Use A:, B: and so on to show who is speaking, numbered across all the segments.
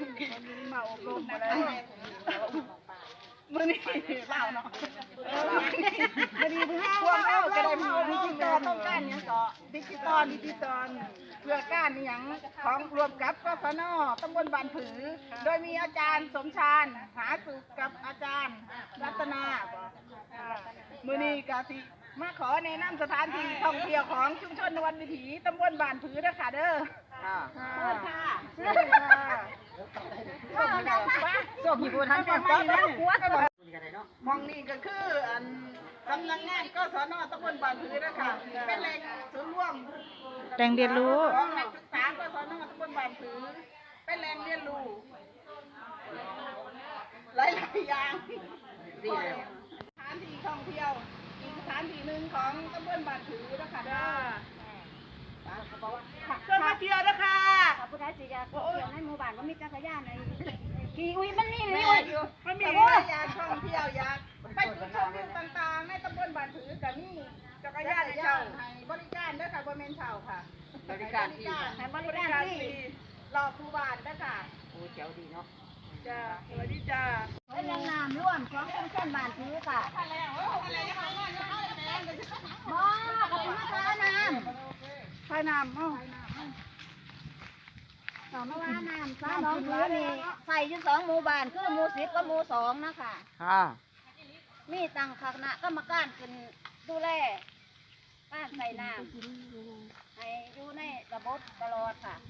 A: มาอบรมอะไรมือนี่เปล่าเนาะมือนี่พวกเราก็ได้มาดิจิตอลต้องการเนี่ยก็ดิจิตอลเพื่อการนี่ยังของรวมกับกฟน.ตำบลบ้านผือโดยมีอาจารย์สมชาญหาสุขกับอาจารย์รัตนามือนี่กาสิมาขอแนะนำสถานที่ท่องเที่ยวของชุมชนนวลวิถีตำบลบ้านผือนะคะเด้อค่ะส่งพี่บุญทันเป็นป้าแล้วมองนี่ก็คือสำนักงานกศน.ตำบลบ้านผือนะคะเป็นแหล่งศูนย์รวม
B: แหล่งเรียนรู้
A: ของนักศึกษากศน.ตำบลบ้านผือเป็นแหล่งเรียนรู้หลายอย่างสถานที่ท่องเที่ยวอีกสถานที่หนึ่งของตำบลบ้านผือนะคะเด้อเชิญมาเที่ยวนะคะ
C: ขอบคุณท่านสิจะเที่ยวในหมู่บ้านว่ามีจักรยานในขี่อุ้ยมันมีเลย
A: มันมีหลายอย่างท่องเที่ยวอยากไปจุดชมวิวต่างๆในตำบลบ้านผือกับนี่จักรยานเช่าให้บริการด้วยค่ะบริเวณเช่าค่ะบริการที่รอผู้บ้านด้วยค่ะ
B: โอ้เจ๋วดีเนาะ
A: จ้าสวัสดีจ้า
C: เป็นแหล่งน้ำร่วมของชุมชนบ้านผือค่ะมาขอบคุณมากค่ะน้ำ
A: พายน้ำ
C: ต่อมาว่าน้ำฟ้าน้องผือนี่ใส่อยู่2 หมู่บ้านคือหมู่10กับหมู่2นะคะมีตั้งคณะกรรมการขึ้นดูแลการใส่น้ำให้อยู่ในระบบตลอดค่ะ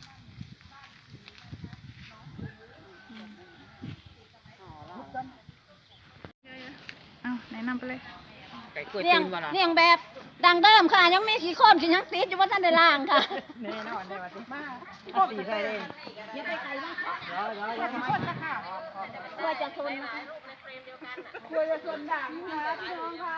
B: เอาแนะนำไปเลย
C: เลี้ยงแบบดังเดิมค่ะยังมีขี้โคลนขี้ยังติดอยู่ว่าท่านได้ล่างค่ะ
A: แน่นอนได้วันที่มา
B: สีใครเลย
C: ยังไปไกลมากค่ะเพื่อจะทน
A: ด่างนะพี่น้องคะ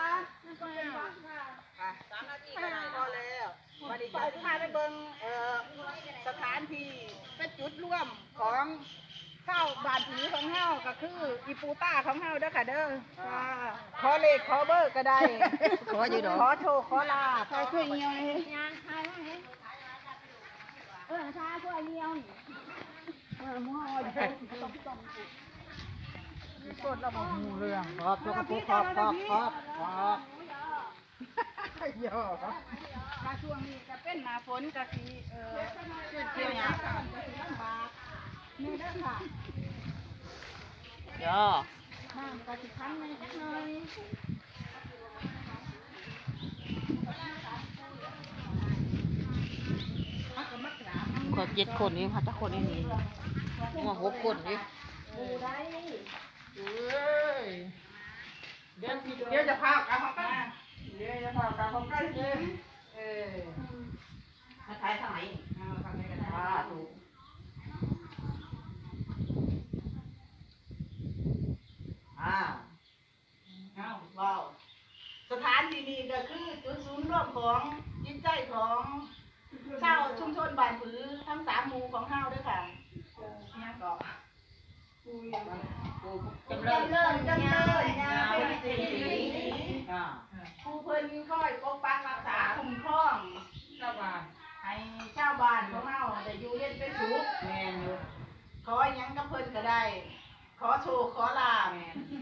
A: 3 นาทีก็ได้พอแล้ววันนี้ไปพาไปเบิ่งสถานที่เป็นจุดร่วมของข้าวบานผีของเฮาก็คืออีปูต้าของเฮาเด้อค่ะเด้อขอเลขขอเบอร์ก็ได้
B: ขออยู่ดอก
A: ขอโชคขอลาขอช่วยเงี้ย
C: ยางทายว่าไงทายช่วยเงี้ย
A: มั่วกดเราบอกหูเรื่อง
B: ขอบขอบเยอะ
A: มาช่วงนี้จะเป็นหน้าฝนกะทิเกี่ยวอย่างลำบากนี่เด้อค่ะ
B: ย่อ
A: น้ำกะทิคั้นหน่อย
B: ขอ7 คนนี่ค่ะถ้าคนนี้มา6 คนนี่
A: เดี๋ยวจะพากันของกันเดี๋ยวจะพากันของกันเลย
B: มาถ่ายทางไหนถูก
A: ว้าวสถานที่นี้ก็คือจุดศูนย์รวมของจิตใจของชาวชุมชนบ้านผือทั้ง3 หมู่ของเฮาด้วยค่ะเนี่ยก็จำเริญผู้เพิ่นคอยปกปักรักษาคุ้มครองให้ชาวบ้านของเฮาได้อยู่เย็นเป็นสุขขอหยังกับเพิ่นก็ได้ขอโชคขอลาภ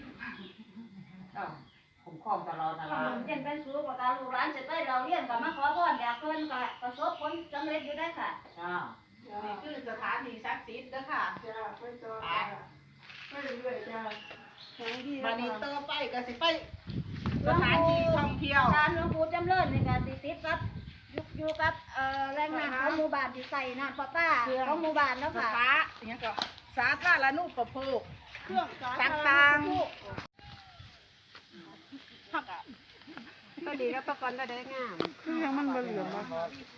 B: คุ้มครองตลอด
C: เย็นเป็นสุขกับการลูกหลานจะได้เราเรียนกับมาขอพรอยากเพิ่นก็ประสบผลสำเร็จอยู่ได้ค่ะ
A: นี่คือสถานที่ศักดิ์สิทธิ์เด้อค่ะไปเรื่อยๆจ้าวันนี้ต่อไปก็สิไปสถานที่ท่องเที่ยว
C: การหลวงปู่จำเริญนี่ก็ติดกับอยู่กับแรงงานของหมู่บ้านที่ใส่น้ำประปาของหมู่บ้านแล้วค่ะ
A: อย่างก็สาธารณูปโภคเครื่องต่างๆก็ดีก็ตะกอนได้งาม
B: คือยังมันเหลืองมา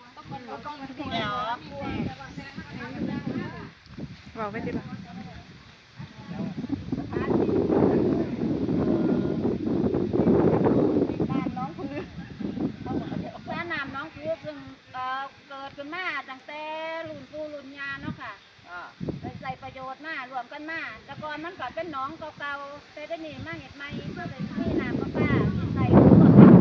B: บอกไปสิบ่
C: เกิดขึ้นมาตั้งแต่รุ่นปู่รุ่นย่าเนาะค่ะใส่ประโยชน์มารวมกันมาแต่ก่อนมันก็เป็นหนองเก่าๆแต่ได้นี่มาเห็ดใหม่เพื่อเป็นที่น้ำประปาใส่ร่วมกัน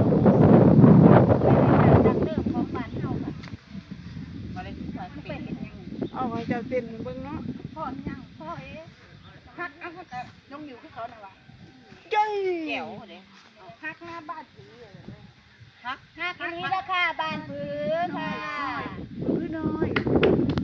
C: ดังเดิมของบ้านเฮาค่ะ
B: เอาไว้เจ้าเต้นเบิ่งเนาะ
C: พ
A: พ่อยังพ่อฮักเอาแต่น้องหมิวคือเขาหน่อยวะ
B: เจ้ย
A: ฮักหน้าบ้านถือ
C: ฮักอันนี้ราคาบ้านผือ